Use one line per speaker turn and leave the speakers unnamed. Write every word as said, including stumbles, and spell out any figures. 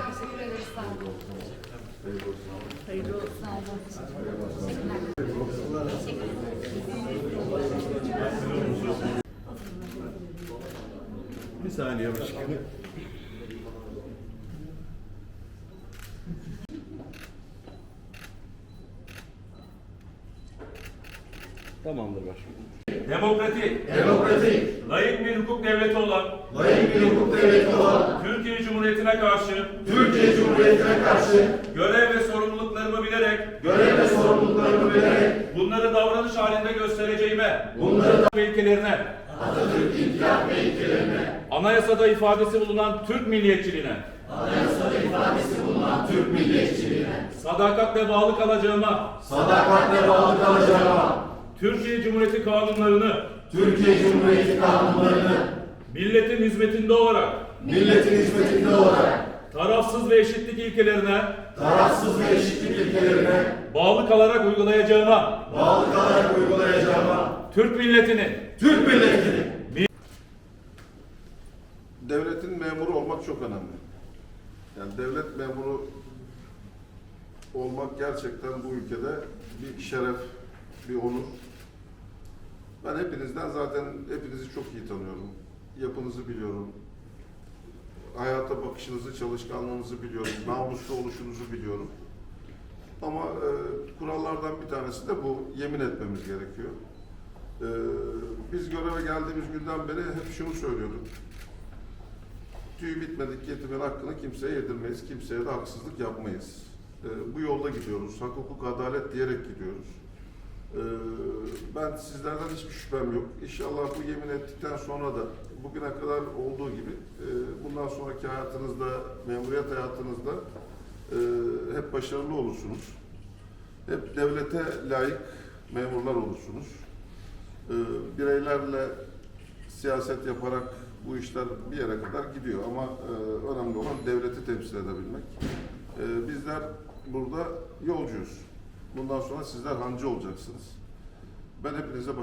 Teşekkür ederiz. Sağ olun. Hayırlı olsun. Sağ olun. Teşekkürler.
Bir saniye başkanım. Tamamdır başkanım.
Demokratik,
Demokratik,
layık bir hukuk devleti olan
layık bir hukuk devleti olan
Türkiye Cumhuriyeti'ne karşı
Türkiye Cumhuriyeti'ne karşı
görev ve sorumluluklarımı bilerek
görev ve sorumluluklarımı bilerek
bunları davranış halinde göstereceğime,
bunları da
ve ilkelerine,
Atatürk İnkılap ve ilkelerine,
anayasada ifadesi bulunan Türk milliyetçiliğine,
anayasada ifadesi bulunan Türk milliyetçiliğine,
sadakatle bağlı kalacağıma,
sadakatle bağlı kalacağıma,
Türkiye Cumhuriyeti kanunlarını
Türkiye Cumhuriyeti kanunlarını
milletin hizmetinde olarak,
milletin hizmetinde olarak,
tarafsız ve eşitlik ilkelerine
tarafsız ve eşitlik ilkelerine
bağlı kalarak uygulayacağıma,
bağlı kalarak uygulayacağıma,
Türk milletini,
Türk milletini,
Devletin memuru olmak çok önemli. Yani devlet memuru olmak gerçekten bu ülkede bir şeref, bir onur. Ben hepinizden zaten hepinizi çok iyi tanıyorum. Yapınızı biliyorum. Hayata bakışınızı, çalışkanlığınızı biliyorum. Namuslu oluşunuzu biliyorum. Ama e, kurallardan bir tanesi de bu. Yemin etmemiz gerekiyor. E, biz göreve geldiğimiz günden beri hep şunu söylüyorduk. Tüy bitmedik yetimin hakkını kimseye yedirmeyiz. Kimseye de haksızlık yapmayız. E, bu yolda gidiyoruz. Hak, hukuk, adalet diyerek gidiyoruz. E, ben sizlerden hiçbir şüphem yok. İnşallah bu yemin ettikten sonra da bugüne kadar olduğu gibi e, bundan sonraki hayatınızda, memuriyet hayatınızda e, hep başarılı olursunuz. Hep devlete layık memurlar olursunuz. E, bireylerle siyaset yaparak bu işler bir yere kadar gidiyor ama e, önemli olan devleti temsil edebilmek. E, bizler burada yolcuyuz. Bundan sonra sizler hancı olacaksınız. Ben hepinize başarılar.